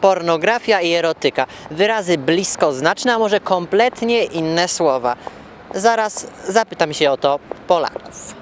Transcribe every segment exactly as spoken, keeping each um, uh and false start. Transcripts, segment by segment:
pornografia i erotyka. Wyrazy bliskoznaczne, a może kompletnie inne słowa. Zaraz zapytam się o to Polaków.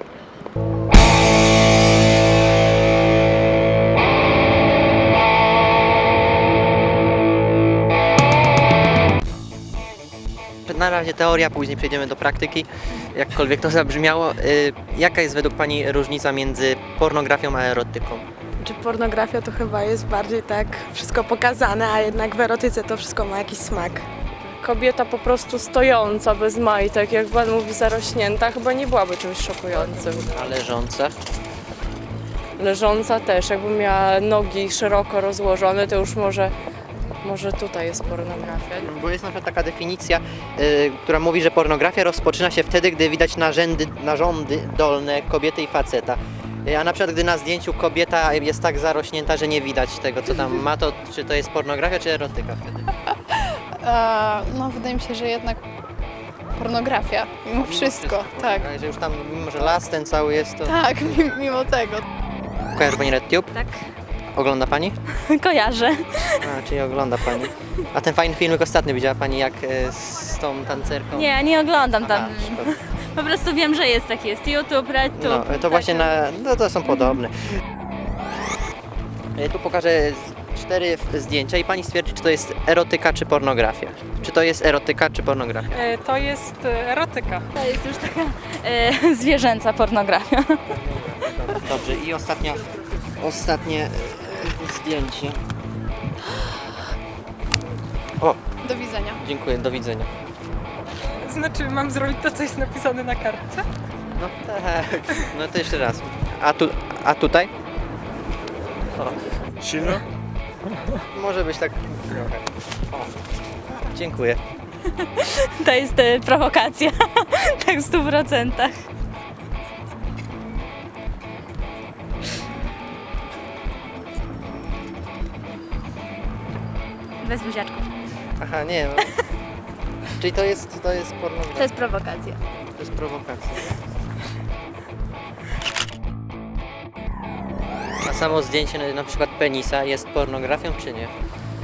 Na razie teoria, później przejdziemy do praktyki. Jakkolwiek to zabrzmiało, yy, jaka jest według Pani różnica między pornografią a erotyką? Czy pornografia to chyba jest bardziej tak wszystko pokazane, a jednak w erotyce to wszystko ma jakiś smak. Kobieta po prostu stojąca, bez majtek, jak pan mówi zarośnięta, chyba nie byłaby czymś szokującym. A leżące? Leżąca też, jakby miała nogi szeroko rozłożone, to już może, może tutaj jest pornografia. Bo jest na przykład taka definicja, yy, która mówi, że pornografia rozpoczyna się wtedy, gdy widać narzędy, narządy dolne kobiety i faceta. Yy, a na przykład gdy na zdjęciu kobieta jest tak zarośnięta, że nie widać tego, co tam ma, to czy to jest pornografia, czy erotyka wtedy? E, no wydaje mi się, że jednak pornografia, mimo wszystko, tak. A że już tam, mimo że las ten cały jest, to... Tak, mi- mimo tego. Kojarzy Pani RedTube? Tak, Ogląda Pani? kojarzę. A, czyli ogląda Pani. A ten fajny filmik ostatnio widziała Pani, jak e, z tą tancerką? Nie, nie oglądam tam. Aha, szkoda. Po prostu wiem, że jest taki, jest YouTube, RedTube. No, to właśnie na, no to są podobne. E, Tu pokażę z- cztery f- zdjęcia i Pani stwierdzi, czy to jest erotyka, czy pornografia. Czy to jest erotyka, czy pornografia? E, To jest e, erotyka. To jest już taka e, zwierzęca pornografia. Dobrze, i ostatnia, ostatnie e, zdjęcie. O, Do widzenia. dziękuję, do widzenia. Znaczy, mam zrobić to, co jest napisane na kartce? No tak, no to jeszcze raz. A, tu, a tutaj? Silno? Może być tak trochę. O, dziękuję. To jest e, prowokacja. Tak w stu procentach. Bez buziaczków. Aha, nie. No. Czyli to jest, to jest pornografia. To jest prowokacja. To jest prowokacja. A samo zdjęcie na, na przykład penisa jest pornografią, czy nie?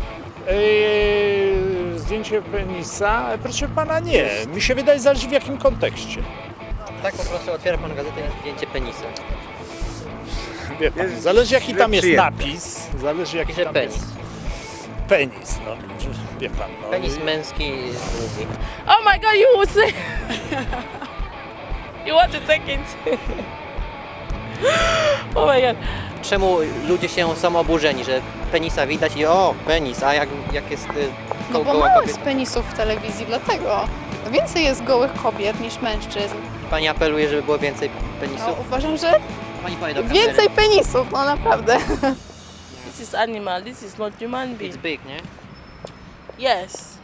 Eee, zdjęcie penisa? Proszę pana, nie. Mi się wydaje, zależy w jakim kontekście. Tak po prostu otwiera pan gazetę i jest zdjęcie penisa. Wie pan, zależy jaki tam jest napis, zależy jaki Pisze tam penis. jest penis. No, wie pan. No. Penis męski długi. Oh my god, you will say... You want to take it? Oh my god. Czemu ludzie się są oburzeni, że penisa widać i o, penis, a jak, jak jest y, No go, bo goła mało kobieta? jest penisów w telewizji, dlatego. Więcej jest gołych kobiet niż mężczyzn. Pani apeluje, żeby było więcej No, penisów? uważam, że Pani powie do kamery. więcej penisów, no naprawdę. This is animal, this is not human being. It's big, nie? Yes.